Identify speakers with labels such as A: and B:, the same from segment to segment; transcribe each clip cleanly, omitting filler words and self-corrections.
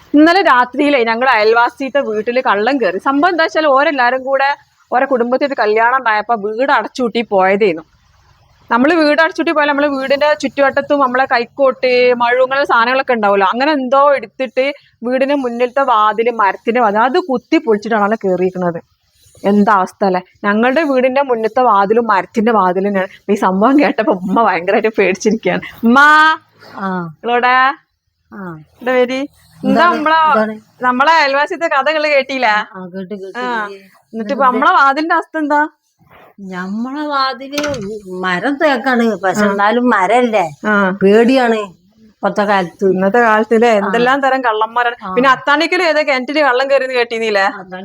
A: ഇന്നലെ രാത്രിയിലെ ഞങ്ങൾ അയൽവാസിയുടെ വീട്ടിൽ കള്ളം കയറി. സംഭവം എന്താ വെച്ചാൽ ഓരെല്ലാരും കൂടെ ഓരോ കുടുംബത്തിൽ കല്യാണം ഉണ്ടായപ്പോ വീട് അടച്ചുകൂട്ടി പോയതേന്നു. നമ്മൾ വീട് അടച്ചുകൂട്ടി പോയാൽ നമ്മള് വീടിന്റെ ചുറ്റുവട്ടത്തും നമ്മളെ കൈക്കോട്ട് മഴുങ്ങനെ സാധനങ്ങളൊക്കെ ഉണ്ടാവുമല്ലോ, അങ്ങനെ എന്തോ എടുത്തിട്ട് വീടിന് മുന്നിലത്തെ വാതില് മരത്തിന്റെ വാതിൽ അത് കുത്തി പൊളിച്ചിട്ടാണല്ലോ കയറിയിരിക്കുന്നത്. എന്താ അവസ്ഥ അല്ലെ. ഞങ്ങളുടെ വീടിന്റെ മുന്നത്തെ വാതിലും മരത്തിന്റെ വാതിലും ഈ സംഭവം കേട്ടപ്പോ ഉമ്മ ഭയങ്കരമായിട്ട് പേടിച്ചിരിക്കുകയാണ്. ഉമ്മ നിങ്ങളോടെ പേര് എന്താ നമ്മളെ അയൽവാസിത്തെ കഥകള് കേട്ടില്ല? എന്നിട്ട് ഇപ്പൊ നമ്മളെ വാതിലിന്റെ അവസ്ഥ എന്താ?
B: നമ്മളെ വാതില് മരം തേക്കാണ്, പക്ഷെ എന്നാലും മരല്ലേ, പേടിയാണ് ഇന്നത്തെ
A: കാലത്തില്. എന്തെല്ലാം തരം കള്ളന്മാരാണ്. പിന്നെ അത്താണിക്കലും ഏതോ കിണറ്റില് കള്ളം കയറിയെന്ന് കേട്ടീന്നില്ലേ?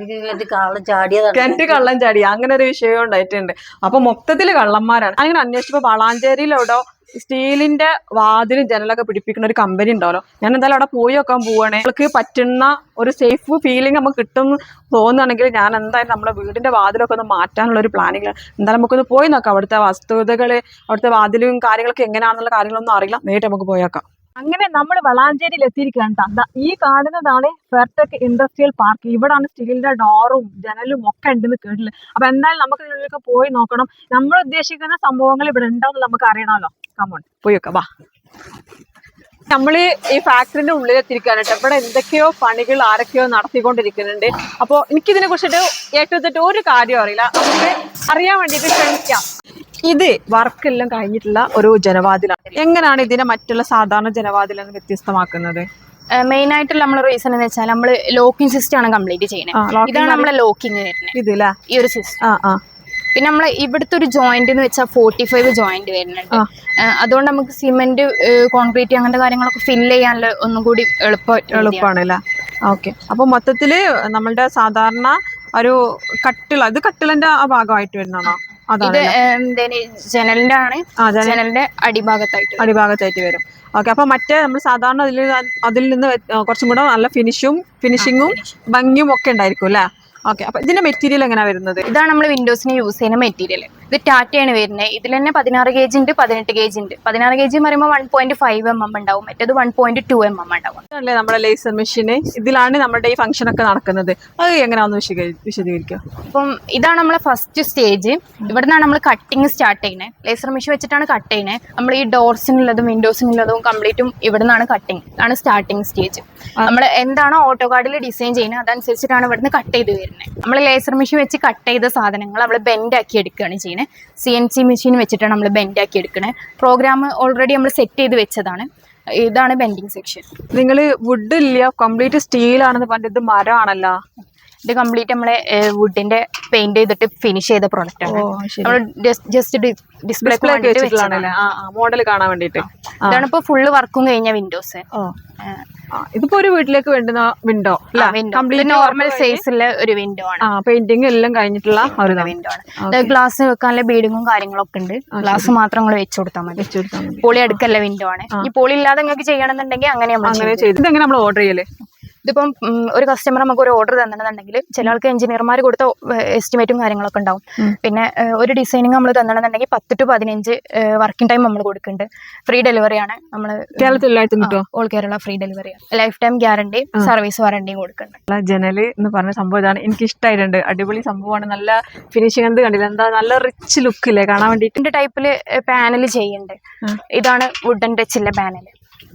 A: കിണറ്റ് കള്ളം ചാടി, അങ്ങനെ ഒരു വിഷയം ഉണ്ടായിട്ടുണ്ട്. അപ്പൊ മൊത്തത്തില് കള്ളന്മാരാണ്. അങ്ങനെ അന്വേഷിച്ചപ്പോ വളാഞ്ചേരിയിലെവിടോ സ്റ്റീലിന്റെ വാതിലും ജനലൊക്കെ പിടിപ്പിക്കുന്ന ഒരു കമ്പനി ഉണ്ടാവല്ലോ. ഞാൻ എന്തായാലും അവിടെ പോയി വെക്കാൻ പോവാണ്. നമുക്ക് പറ്റുന്ന ഒരു സേഫ് ഫീലിംഗ് നമുക്ക് കിട്ടും തോന്നുകയാണെങ്കിൽ ഞാൻ എന്തായാലും നമ്മുടെ വീടിന്റെ വാതിലൊക്കെ ഒന്ന് മാറ്റാനുള്ള ഒരു പ്ലാനിങ്. എന്തായാലും നമുക്കൊന്ന് പോയി നോക്കാം. അവിടുത്തെ വസ്തുതകള്, അവിടുത്തെ വാതിലും കാര്യങ്ങളൊക്കെ എങ്ങനെയാണെന്നുള്ള കാര്യങ്ങളൊന്നും അറിയില്ല. നേരിട്ട് നമുക്ക് പോയേക്കാം. അങ്ങനെ നമ്മൾ വളാഞ്ചേരിയിൽ എത്തിയിരിക്കുകയാണ്. ഈ കാണുന്നതാണ് ഫെയർടെക് ഇൻഡസ്ട്രിയൽ പാർക്ക്. ഇവിടാണ് സ്റ്റീലിന്റെ ഡോറും ജനലും ഒക്കെ ഉണ്ടെന്ന് കേട്ടില്ല. അപ്പൊ എന്തായാലും നമുക്ക് ഇതിലൊക്കെ പോയി നോക്കണം. നമ്മൾ ഉദ്ദേശിക്കുന്ന സംഭവങ്ങൾ ഇവിടെ ഉണ്ടാവും നമുക്ക് അറിയണമല്ലോ. കമോൺ പോയി വെക്കാം, വാ. നമ്മള് ഈ ഫാക്ടറിന്റെ ഉള്ളിലെത്തിരിക്കുകയാണ് കേട്ടോ. ഇവിടെ എന്തൊക്കെയോ പണികൾ ആരൊക്കെയോ നടത്തിക്കൊണ്ടിരിക്കുന്നുണ്ട്. അപ്പോൾ എനിക്കിതിനെ കുറിച്ചിട്ട് ഏറ്റവും ഒരു കാര്യം അറിയില്ല. നമുക്ക് അറിയാൻ വേണ്ടിയിട്ട് ശ്രമിക്കാം. ഇത് വർക്കെല്ലാം കഴിഞ്ഞിട്ടുള്ള ഒരു ജനവാതിലാണ്. എങ്ങനെയാണ് ഇതിനെ മറ്റുള്ള സാധാരണ ജനവാതിലാണ് വ്യത്യസ്തമാക്കുന്നത്?
C: മെയിൻ ആയിട്ടുള്ള നമ്മളെ റീസൺ എന്ന് വെച്ചാൽ നമ്മള് ലോക്കിംഗ് സിസ്റ്റം ആണ് കംപ്ലീറ്റ് ചെയ്യുന്നത്. ഇതാണ് നമ്മളെ ലോക്കിംഗ് വരുന്നത്, ഇതില്ല ഈ ഒരു സിസ്റ്റം. പിന്നെ നമ്മളെ ഇവിടുത്തെ ഒരു ജോയിന്റ് എന്ന് വെച്ചാൽ 45 ജോയിന്റ് വരുന്നുണ്ട്. അതുകൊണ്ട് നമുക്ക് സിമെന്റ്, കോൺക്രീറ്റ് അങ്ങനത്തെ കാര്യങ്ങളൊക്കെ ഫില്ല് ചെയ്യാനുള്ള ഒന്നും കൂടി
A: എളുപ്പമാണല്ലേ. ഓക്കെ. അപ്പൊ മൊത്തത്തില് നമ്മളുടെ സാധാരണ ഒരു കട്ടിള, ഇത് കട്ടിളിന്റെ ആ ഭാഗമായിട്ട് വരുന്നതാണോ?
C: ഇത് ജനലിന്റെ ആണ്, ജനലിന്റെ അടിഭാഗത്തായിട്ട്
A: വരും. ഓക്കെ. അപ്പൊ മറ്റേ നമ്മൾ സാധാരണ അതിൽ നിന്ന് കുറച്ചും കൂടെ നല്ല ഫിനിഷിങ്ങും ഭംഗിയും ഒക്കെ ഉണ്ടായിരിക്കും അല്ലേ? ഓക്കെ. അപ്പൊ ഇതിന്റെ മെറ്റീരിയൽ എങ്ങനെയാ വരുന്നത്?
C: ഇതാണ് നമ്മൾ വിൻഡോസിന് യൂസ് ചെയ്യുന്ന മെറ്റീരിയൽ. ഇത് ടാറ്റയാണ് വരുന്നത്. ഇതിൽ തന്നെ 16 kg ഉണ്ട്, 18 kg ഉണ്ട്. 16 kg പറയുമ്പോൾ 1.5 mm ഉണ്ടാവും, മറ്റേത് 1.2 mm ഉണ്ടാവും.
A: അതല്ലേ നമ്മുടെ ലേസർ മെഷീന്. ഇതിലാണ് നമ്മുടെ ഈ ഫംഗ്ഷൻ ഒക്കെ നടക്കുന്നത്. അത് എങ്ങനെയാണെന്ന് വിശദീകരിക്കുക.
C: അപ്പം ഇതാണ് നമ്മളെ ഫസ്റ്റ് സ്റ്റേജ്. ഇവിടെ നിന്നാണ് നമ്മൾ കട്ടിങ് സ്റ്റാർട്ട് ചെയ്യുന്നത്. ലേസർ മെഷീൻ വെച്ചിട്ടാണ് കട്ട് ചെയ്യുന്നത്. നമ്മൾ ഈ ഡോർസിനുള്ളതും വിൻഡോസിനുള്ളതും കംപ്ലീറ്റും ഇവിടെ നിന്നാണ് കട്ടിങ്. ഇതാണ് സ്റ്റാർട്ടിങ് സ്റ്റേജ്. നമ്മൾ എന്താണോ ഓട്ടോ കാർഡിൽ ഡിസൈൻ ചെയ്യുന്നത് അതനുസരിച്ചിട്ടാണ് ഇവിടുന്ന് കട്ട് ചെയ്ത് വരുന്നത്. നമ്മൾ ലേസർ മെഷീൻ വെച്ച് കട്ട് ചെയ്ത സാധനങ്ങൾ നമ്മൾ ബെൻഡ് ആക്കി എടുക്കുകയാണ് ചെയ്യുന്നത്. CNC മെഷീൻ വെച്ചിട്ടാണ് നമ്മൾ ബെൻഡ് ആക്കി എടുക്കുന്നത്. പ്രോഗ്രാം ഓൾറെഡി നമ്മൾ സെറ്റ് ചെയ്ത് വെച്ചതാണ്. ഇതാണ് ബെൻഡിങ് സെക്ഷൻ.
A: നിങ്ങൾ വുഡ് ഇല്ല, കംപ്ലീറ്റ് സ്റ്റീൽ ആണെന്ന് പറഞ്ഞത്, ഇത് മരമാണല്ലോ.
C: ഇത് കംപ്ലീറ്റ് നമ്മളെ വുഡിന്റെ പെയിന്റ് ചെയ്തിട്ട് ഫിനിഷ് ചെയ്ത പ്രോഡക്റ്റ് ആണ്. നമ്മൾ ജസ്റ്റ് ഡിസ്പ്ലേ
A: മോഡൽ കാണാൻ വേണ്ടിട്ട്.
C: ഇതാണ് ഇപ്പൊ ഫുള്ള് വർക്കും കഴിഞ്ഞ വിൻഡോസ്.
A: ഇതിപ്പോ ഒരു വീട്ടിലേക്ക് വേണ്ടുന്ന വിൻഡോ,
C: നോർമൽ സൈസിലെ ഒരു വിൻഡോ ആണ്.
A: പെയിന്റിംഗ് എല്ലാം കഴിഞ്ഞിട്ടുള്ള ഒരു
C: വിൻഡോ ആണ്. ഗ്ലാസ് വെക്കാനുള്ള ബീഡിങ്ങും കാര്യങ്ങളൊക്കെ ഉണ്ട്. ഗ്ലാസ് മാത്രം നിങ്ങൾ വെച്ചു കൊടുത്താൽ മതി. പോളി അടുക്കല്ല വിൻഡോ ആണ്. ഈ പോളി ഇല്ലാതെ നിങ്ങൾക്ക് ചെയ്യണമെന്നുണ്ടെങ്കിൽ അങ്ങനെ
A: നമ്മൾ ഓർഡർ ചെയ്യല്.
C: ഇതിപ്പം ഒരു കസ്റ്റമർ നമുക്ക് ഒരു ഓർഡർ തന്നിട്ടുണ്ടെങ്കിൽ ചില ആൾക്ക് എഞ്ചിനീയർമാർ കൊടുത്ത എസ്റ്റിമേറ്റും കാര്യങ്ങളൊക്കെ ഉണ്ടാവും. പിന്നെ ഒരു ഡിസൈനിങ് നമ്മൾ തന്നിട്ടുണ്ടെങ്കിൽ 10 to 15 വർക്കിംഗ് ടൈം നമ്മൾ കൊടുക്കുന്നുണ്ട്. ഫ്രീ ഡെലിവറി ആണ്. നമ്മൾ ഓൾ കേരള ഫ്രീ ഡെലിവറി ആണ്. ലൈഫ് ടൈം ഗ്യാരണ്ടി, സർവീസ് വാറണ്ടിയും കൊടുക്കുന്നുണ്ട്.
A: ജനല് എന്ന് പറഞ്ഞ സംഭവം ഇതാണ്. എനിക്ക് ഇഷ്ടമായിട്ടുണ്ട്. അടിപൊളി സംഭവമാണ്. നല്ല ഫിനിഷിംഗ് എന്ത് കണ്ടില്ല, എന്താ നല്ല റിച്ച് ലുക്ക് ഇല്ലേ കാണാൻ വേണ്ടിട്ട്.
C: ഇതിന്റെ ടൈപ്പില് പാനൽ ചെയ്യുന്നുണ്ട്. ഇതാണ് വുഡൻ ടച്ചിലെ പാനൽ.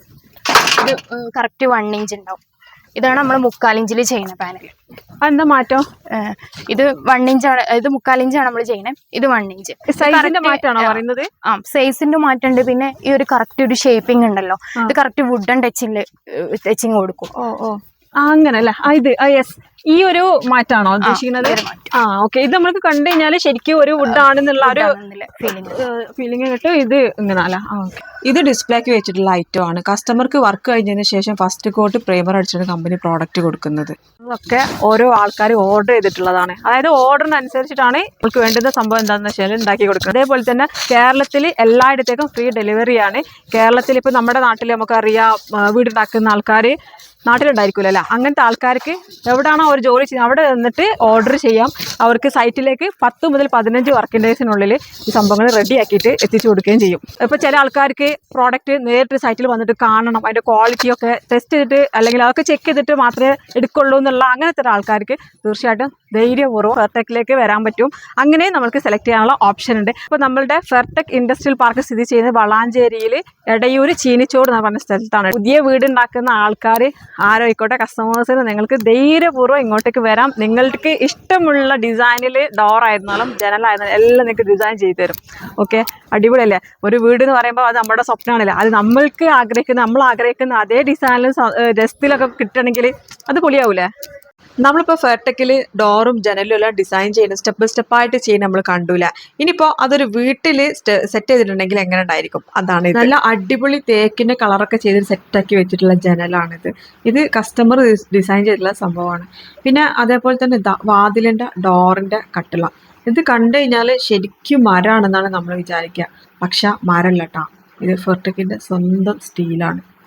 C: ഇത് കറക്റ്റ് 1 inch ഉണ്ടാവും. ഇതാണ് നമ്മൾ 3/4 ഇഞ്ചിൽ ചെയ്യുന്ന പാനൽ.
A: എന്താ മാറ്റം?
C: ഇത് 1 inch ആണ്, ഇത് 3/4 ഇഞ്ചാണ് നമ്മൾ ചെയ്യുന്നത്. ഇത് 1 inch.
A: സൈസിന്റെ മാറ്റാണോ പറയുന്നത്?
C: സൈസിന്റെ മാറ്റമുണ്ട്. പിന്നെ ഈ ഒരു കറക്റ്റ് ഒരു ഷേപ്പിംഗ് ഉണ്ടല്ലോ, ഇത് കറക്റ്റ് വുഡൻ ടച്ചിങ് കൊടുക്കും.
A: അങ്ങനെ അല്ലേ. ഇത് യെസ്, ഈ ഒരു മാറ്റാണോ ഉദ്ദേശിക്കുന്നത്? ഓക്കെ. ഇത് നമ്മൾക്ക് കണ്ടു കഴിഞ്ഞാല് ശരിക്കും ഒരു വുഡ് ആണെന്നുള്ള ഒരു ഫീലിംഗ് കിട്ടും. ഇത് ഇങ്ങനെ അല്ല. ഇത് ഡിസ്പ്ലേക്ക് വെച്ചിട്ടുള്ള ഐറ്റം ആണ്. കസ്റ്റമർക്ക് വർക്ക് കഴിഞ്ഞതിന് ശേഷം ഫസ്റ്റ് കോട്ട് പ്രൈമർ അടിച്ചാണ് കമ്പനി പ്രോഡക്റ്റ് കൊടുക്കുന്നത്. അതൊക്കെ ഓരോ ആൾക്കാർ ഓർഡർ ചെയ്തിട്ടുള്ളതാണ്. അതായത് ഓർഡറിനനുസരിച്ചിട്ടാണ് നമുക്ക് വേണ്ടുന്ന സംഭവം എന്താണെന്ന് വെച്ചാൽ ഉണ്ടാക്കി കൊടുക്കുന്നത്. അതേപോലെ തന്നെ കേരളത്തിൽ എല്ലായിടത്തേക്കും ഫ്രീ ഡെലിവറിയാണ്. കേരളത്തിൽ ഇപ്പൊ നമ്മുടെ നാട്ടിൽ നമുക്കറിയാം വീടുണ്ടാക്കുന്ന ആൾക്കാർ നാട്ടിലുണ്ടായിരിക്കുമല്ലോ. അങ്ങനത്തെ ആൾക്കാർക്ക് എവിടെയാണോ അവർ ജോലി ചെയ്യുന്നത് അവിടെ നിന്നിട്ട് ഓർഡർ ചെയ്യാം. അവർക്ക് സൈറ്റിലേക്ക് 10 മുതൽ 15 വർക്കിംഗ് ഡേയ്സിനുള്ളിൽ ഈ സംഭവങ്ങൾ റെഡിയാക്കിയിട്ട് എത്തിച്ചു കൊടുക്കുകയും ചെയ്യും. ഇപ്പോൾ ചില ആൾക്കാർക്ക് പ്രോഡക്റ്റ് നേരിട്ട് സൈറ്റിൽ വന്നിട്ട് കാണണം, അതിൻ്റെ ക്വാളിറ്റിയൊക്കെ ടെസ്റ്റ് ചെയ്തിട്ട് അല്ലെങ്കിൽ അതൊക്കെ ചെക്ക് ചെയ്തിട്ട് മാത്രമേ എടുക്കുള്ളൂ എന്നുള്ള അങ്ങനത്തെ ഒരാൾക്കാർക്ക് തീർച്ചയായിട്ടും ധൈര്യപൂർവ്വം ഫെർടെക്കിലേക്ക് വരാൻ പറ്റും. അങ്ങനെ നമുക്ക് സെലക്ട് ചെയ്യാനുള്ള ഓപ്ഷൻ ഉണ്ട്. ഇപ്പോൾ നമ്മളുടെ ഫെർടെക് ഇൻഡസ്ട്രിയൽ പാർക്ക് സ്ഥിതി ചെയ്യുന്നത് വളാഞ്ചേരിയിൽ എടയൂർ ചീനിച്ചോട് എന്ന് പറഞ്ഞ സ്ഥലത്താണ്. പുതിയ വീടുണ്ടാക്കുന്ന ആൾക്കാർ ആരോയിക്കോട്ടെ, കസ്റ്റമേഴ്സിന് നിങ്ങൾക്ക് ധൈര്യപൂർവ്വം ഇങ്ങോട്ടേക്ക് വരാം. നിങ്ങൾക്ക് ഇഷ്ടമുള്ള ഡിസൈനിൽ ഡോറായിരുന്നാലും ജനലായിരുന്നാലും എല്ലാം നിങ്ങൾക്ക് ഡിസൈൻ ചെയ്തു തരും. ഓക്കെ, അടിപൊളിയല്ലേ? ഒരു വീട് എന്ന് പറയുമ്പോൾ അത് നമ്മുടെ സ്വപ്നമാണല്ലേ, അത് നമ്മൾ ആഗ്രഹിക്കുന്ന അതേ ഡിസൈനിലും രസത്തിലൊക്കെ കിട്ടണമെങ്കിൽ അത് പൊളിയാവൂലേ? നമ്മളിപ്പോൾ ഫെർടെക്കിൽ ഡോറും ജനലും എല്ലാം ഡിസൈൻ ചെയ്യുന്നത് സ്റ്റെപ്പ് ബൈ സ്റ്റെപ്പായിട്ട് ചെയ്യുന്നത് നമ്മൾ കണ്ടൂല. ഇനിയിപ്പോൾ അതൊരു വീട്ടിൽ സെറ്റ് ചെയ്തിട്ടുണ്ടെങ്കിൽ എങ്ങനെ ഉണ്ടായിരിക്കും, അതാണ് നല്ല അടിപൊളി തേക്കിൻ്റെ കളറൊക്കെ ചെയ്ത് സെറ്റാക്കി വെച്ചിട്ടുള്ള ജനലാണിത്. ഇത് കസ്റ്റമർ ഡിസൈൻ ചെയ്തിട്ടുള്ള സംഭവമാണ്. പിന്നെ അതേപോലെ തന്നെ വാതിലിൻ്റെ ഡോറിൻ്റെ കട്ടിള, ഇത് കണ്ടു കഴിഞ്ഞാൽ ശരിക്കും മരമാണെന്നാണ് നമ്മൾ വിചാരിക്കുക. പക്ഷെ മരമല്ല കേട്ടോ, ഇത് ഫെർടെക്കിൻ്റെ സ്വന്തം സ്റ്റീലാണ്.